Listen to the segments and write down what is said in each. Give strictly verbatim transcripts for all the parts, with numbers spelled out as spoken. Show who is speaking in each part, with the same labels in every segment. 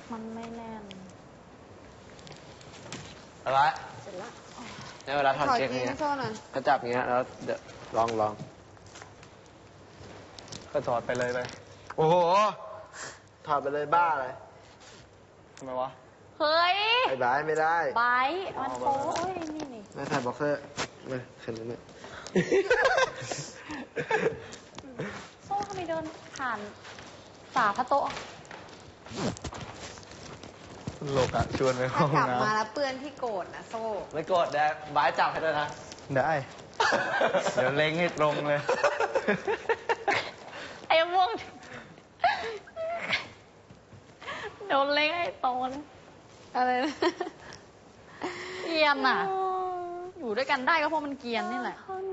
Speaker 1: มันไม่แน่น
Speaker 2: อะไร
Speaker 1: เสร็จแล้ว
Speaker 2: ในเวลาถอดเกง
Speaker 3: นี้
Speaker 2: เนี้ย
Speaker 3: โซ่หน่อย
Speaker 2: ก็จับอย่างเงี้ยแล้วเดี๋ยวลองลองก็ถอดไปเลยไปโอ้โหถอดไปเลยบ้าเลยทำไมวะ
Speaker 1: เฮ้ย
Speaker 2: ไอ้บ้าไม่ได้
Speaker 1: ไบร์ทมันโป๊ะเอ้ยนี่นี่
Speaker 2: ไม่ใส่บ็อกเซอร์ไม่ขึ้นเลยไม่
Speaker 1: โซ่ทำไมเดินผ่านฝาพระโต๊ะ
Speaker 2: โลกอะชวนไปห้
Speaker 3: ถ้า
Speaker 2: อง
Speaker 3: กลับ
Speaker 2: น้
Speaker 3: มาแล้วเปื้อนที่โกรธนะโซ่
Speaker 2: ำไม่โกรธแดกบ้าจับให้ด้วยนะ ได้ เดี๋ยวเล็งให้ตรงเลย
Speaker 1: ไอ้ม่วงโดนเล็กไอ้โตน
Speaker 3: อะไรนะ
Speaker 1: เกรียนน่ะ อยู่ด้วยกันได้ก็เพราะมันเกรียนนี่แหละ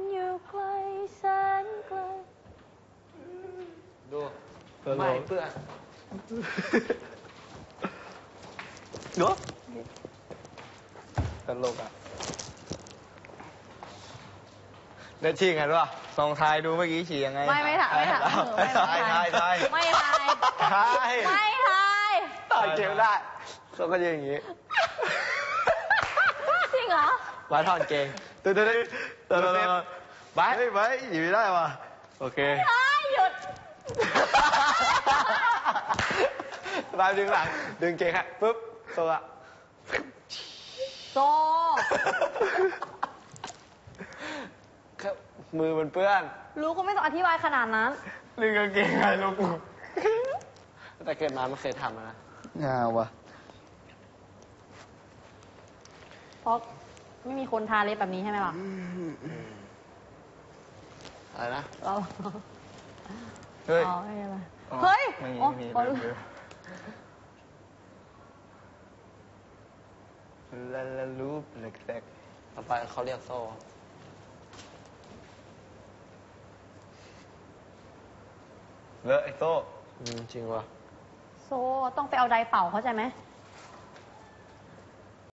Speaker 2: ดูไม่เพื่อนดูตลกอ่ะได้ชิงกันวะลองทายดูเมื่อกี้ฉี่ยังไง
Speaker 1: ไม่ไม่ถ่ายไม่ถ่าย
Speaker 2: ไม่ทายทายทาย
Speaker 1: ไม่ถ่าย
Speaker 2: ทาย
Speaker 1: ไม่ถ่าย
Speaker 2: ต่อยเกมได้เขาก็ยืนอย่างงี้
Speaker 1: จริงเหรอ
Speaker 2: บาสถอนเกงตื่นตื่นตื่นตื่นบาสบาสอยู่ไม่ได้ว่ะโอเค
Speaker 1: ไม่ถ่ายหยุด
Speaker 2: บาสดึงหลังดึงเกงฮะปุ๊บตัว
Speaker 1: โซ
Speaker 2: มือมันเปื้อน
Speaker 1: รู้ก็ไม่ต้องอธิบายขนาดนั้น
Speaker 2: ดึงกางเกงไงลูกแต่เกิดมาไม่เคยทำนะงาวะ
Speaker 1: เพราะไม่มีคนทาเล็บแบบนี้ใช่ไหมล่ะ
Speaker 2: อะไรนะ
Speaker 1: เรา
Speaker 2: เฮ้ย
Speaker 1: อ๋อไม่เป็นไรเฮ้ย
Speaker 2: ไม่มี
Speaker 1: อ๋อ
Speaker 2: ไม่มี
Speaker 1: อ๋อ
Speaker 2: ไม่มีลาลาลูปเล็กเล็กต่อไปเขาเรียกโซ่เลอะไอ้โซ่จริงวะ
Speaker 1: โซต้องไปเอาไดร์เป่าเข้าใจไหม